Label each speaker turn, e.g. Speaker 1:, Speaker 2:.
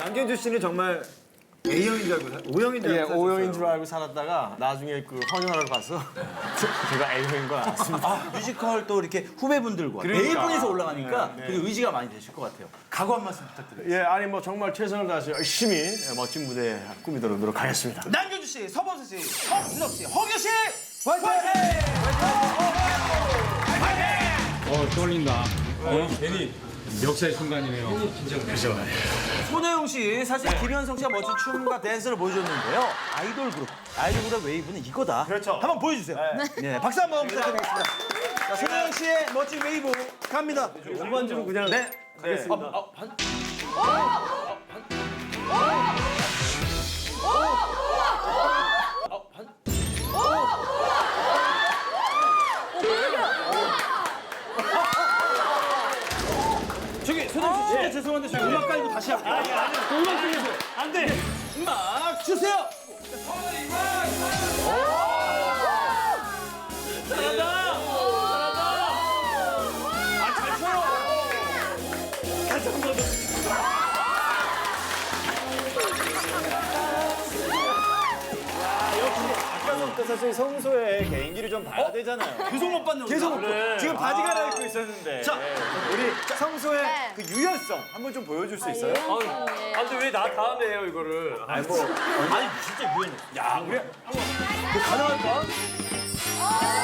Speaker 1: 양현주 씨는 정말 A형인 줄 알고 O형인 줄
Speaker 2: 예,
Speaker 1: 알고
Speaker 2: O형인 줄 알고 살았다가 나중에 그 헌혈하러 가서 제가 A형인 걸 알았습니다.
Speaker 3: 아, 뮤지컬 또 이렇게 후배분들과 네
Speaker 2: 그러니까.
Speaker 3: 분이서 올라가니까 되게 의지가 많이 되실 것 같아요. 각오 한 말씀 부탁드립니다.
Speaker 2: 예, 아니 뭐 정말 최선을 다해서 열심히 멋진 무대 꾸미도록 노력하겠습니다.
Speaker 3: 남경주 씨, 서범수 씨, 허준혁 씨, 허규 씨, 화이팅!
Speaker 4: 떨린다. 괜히 역사의 순간이네요.
Speaker 3: 손혜영 씨, 사실 김현성 씨가 멋진 춤과 댄스를 보여줬는데요. 아이돌 그룹 웨이브는 이거다.
Speaker 1: 그렇죠.
Speaker 3: 한번 보여주세요. 네, 박수 한번 부탁드리겠습니다. 자, 손혜영 씨의 멋진 웨이브 갑니다.
Speaker 1: 전반적으로 그냥
Speaker 3: 네.
Speaker 1: 가겠습니다.
Speaker 3: 저기 손혜영 씨 진짜 죄송한데 저희 음악 깔고 다시 할게요. 음악 주세요. 안 돼. 음악 주세요.
Speaker 1: 아까부터 사실 성소의 개인기를 좀 봐야 되잖아요.
Speaker 3: 계속 못 받는
Speaker 1: 계속
Speaker 3: 거다.
Speaker 1: 지금 바지 갈아입고 있었는데.
Speaker 3: 자,
Speaker 1: 우리 성소의
Speaker 5: 네.
Speaker 1: 그 유연성 한번 좀 보여줄 수 있어요?
Speaker 2: 아, 근데 왜 나 다음에 해요, 이거를?
Speaker 1: 아니 뭐
Speaker 3: 아니 진짜 유연해.
Speaker 1: 야, 우리
Speaker 3: 가능할까?